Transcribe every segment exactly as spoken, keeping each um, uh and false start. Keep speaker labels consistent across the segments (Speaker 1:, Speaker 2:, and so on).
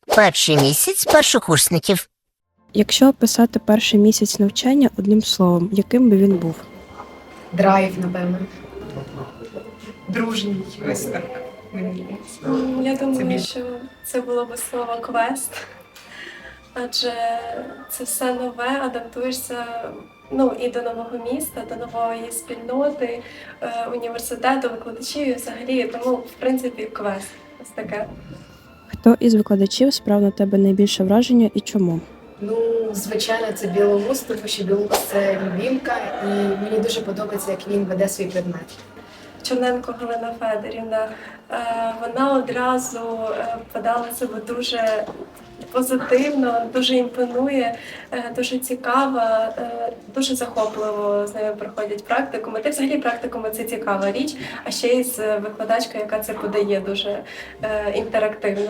Speaker 1: Перший місяць першокурсників.
Speaker 2: Якщо описати перший місяць навчання одним словом, яким би він був?
Speaker 3: Драйв, напевно.
Speaker 4: Дружній, ось так. Мені здається.
Speaker 5: Я
Speaker 4: Це
Speaker 5: думаю,
Speaker 4: більше.
Speaker 5: що це було би слово квест, адже це все нове, адаптуєшся ну, і до нового міста, до нової спільноти, е, університету, викладачів і взагалі, тому, в принципі, квест. Ось таке.
Speaker 2: Хто із викладачів справ на тебе найбільше враження і чому?
Speaker 3: Ну, звичайно, це Білоус, тому що Білоус – це любімка, і мені дуже подобається, як він веде свій предмет.
Speaker 5: Чорненко Галина Федорівна, е, вона одразу е, подала себе дуже позитивно, дуже імпонує, е, дуже цікава, е, дуже захопливо з нею проходять практикуми. Та взагалі практикуми – це цікава річ, а ще й з викладачкою, яка це подає дуже е, інтерактивно.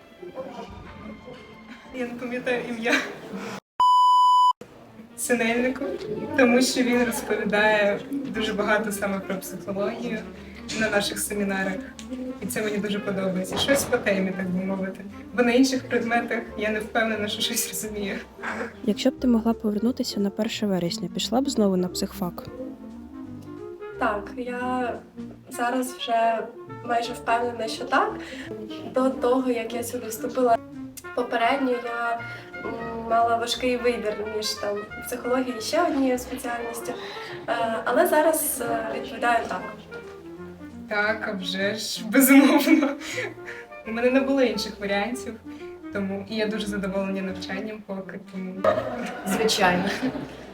Speaker 4: Я не пам'ятаю ім'я Синельнику, тому що він розповідає дуже багато саме про психологію на наших семінарах. І це мені дуже подобається. Щось по темі, так би мовити. Бо на інших предметах я не впевнена, що щось розумію.
Speaker 2: Якщо б ти могла повернутися на перше вересня, пішла б знову на психфак?
Speaker 5: Так, я зараз вже майже впевнена, що так. До того, як я сюди вступила попередньо, я м, мала важкий вибір між там психологією і ще однією спеціальністю. Е, Але зараз е, відповідаю так.
Speaker 4: Так, а вже ж, безумовно. У мене не було інших варіантів, тому і я дуже задоволена навчанням поки, тому
Speaker 3: Звичайно.